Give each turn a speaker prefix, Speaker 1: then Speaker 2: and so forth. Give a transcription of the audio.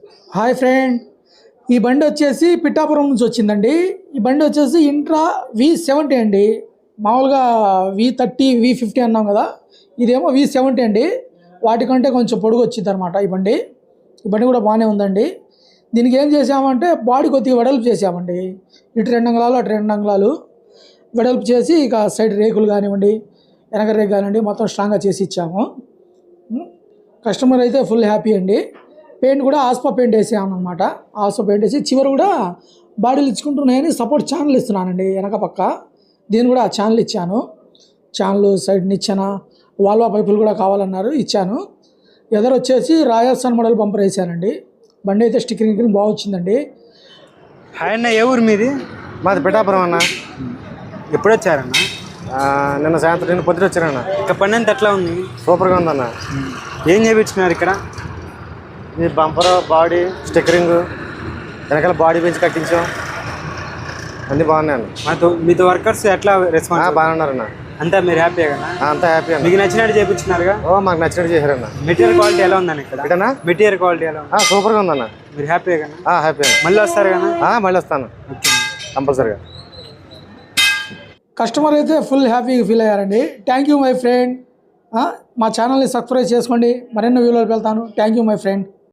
Speaker 1: Hi friend, ఈ బండి వచ్చేసి పిఠాపురం నుంచి వచ్చిందండి. ఈ బండి వచ్చేసి ఇంట్రా V70 అండి. మామూలుగా V30 V50 అన్నాం కదా, ఇదేమో V70 అండి. వాటికంటే కొంచెం పొడుగు వచ్చింది అనమాట ఈ బండి. ఈ బండి కూడా బాగానే ఉందండి. దీనికి ఏం చేసామంటే బాడీ కొద్దిగా వెడల్పు చేసామండి. ఇటు 2 అంగుళాలు అటు 2 అంగుళాలు వెడల్పు చేసి ఇక సైడ్ రేకులు కానివ్వండి, వెనక రేకు కానివ్వండి, మొత్తం స్ట్రాంగ్గా చేసి ఇచ్చాము. కస్టమర్ అయితే ఫుల్ హ్యాపీ అండి. పెయింట్ కూడా ఆస్పా పెయింట్ వేసామన్నమాట. ఆస్పా పెయింట్ వేసి చివరి కూడా బాడీలు ఇచ్చుకుంటున్నాయని సపోర్ట్ ఛానల్ ఇస్తున్నానండి. వెనక పక్క దీన్ని కూడా ఛానల్ ఇచ్చాను. ఛానల్ సైడ్ నిచ్చెన వాల్వా పైపులు కూడా కావాలన్నారు, ఇచ్చాను. ఎదరు వచ్చేసి రాజస్థాన్ మోడల్ బంపర్ వేసానండి. బండి అయితే స్టిక్కరింగ్ బాగా వచ్చిందండి.
Speaker 2: హాయ్ అన్న, ఏ ఊరు మీది?
Speaker 3: మాది పిఠాపురం అన్న.
Speaker 2: ఎప్పుడు వచ్చారన్న?
Speaker 3: నిన్న సాయంత్రం నిన్న పొద్దున వచ్చారన్న.
Speaker 2: ఇక్కడ పని అంతా ఎట్లా ఉంది?
Speaker 3: సూపర్గా ఉందన్న.
Speaker 2: ఏం చేయించుకున్నారు ఇక్కడ?
Speaker 3: ఇది బంపర్, బాడీ స్టిక్కరింగ్, వెనకాల బాడీ పెంచి కట్టించాం. అన్నీ బాగున్నాయన్న.
Speaker 2: మీతో వర్కర్స్ ఎట్లా రెస్పాన్స్?
Speaker 3: బాగా ఉన్నారన్న.
Speaker 2: అంతా మీరు హ్యాపీ కదా?
Speaker 3: అంతా హ్యాపీ అన్న.
Speaker 2: మీకు నచ్చినట్టు చేయించుకున్నారుగా?
Speaker 3: మాకు నచ్చినట్టు చేశారన్న.
Speaker 2: మెటీరియల్ క్వాలిటీ ఎలా ఉందని ఇక్కడ?
Speaker 3: ఇటనా
Speaker 2: మెటీరియల్ క్వాలిటీ ఎలా ఉంది?
Speaker 3: సూపర్గా ఉందన్న.
Speaker 2: మీరు హ్యాపీ కదా?
Speaker 3: హ్యాపీ అన్న.
Speaker 2: మళ్ళీ వస్తారు కదా?
Speaker 3: మళ్ళీ వస్తాను కంపల్సరీగా.
Speaker 1: కస్టమర్ అయితే ఫుల్ హ్యాపీగా ఫీల్ అయ్యారండి. Thank you my friend. మా ఛానల్ని సబ్స్క్రైబ్ చేసుకోండి, మరెన్నో వీడియోలు వెళ్తాను. Thank you my friend.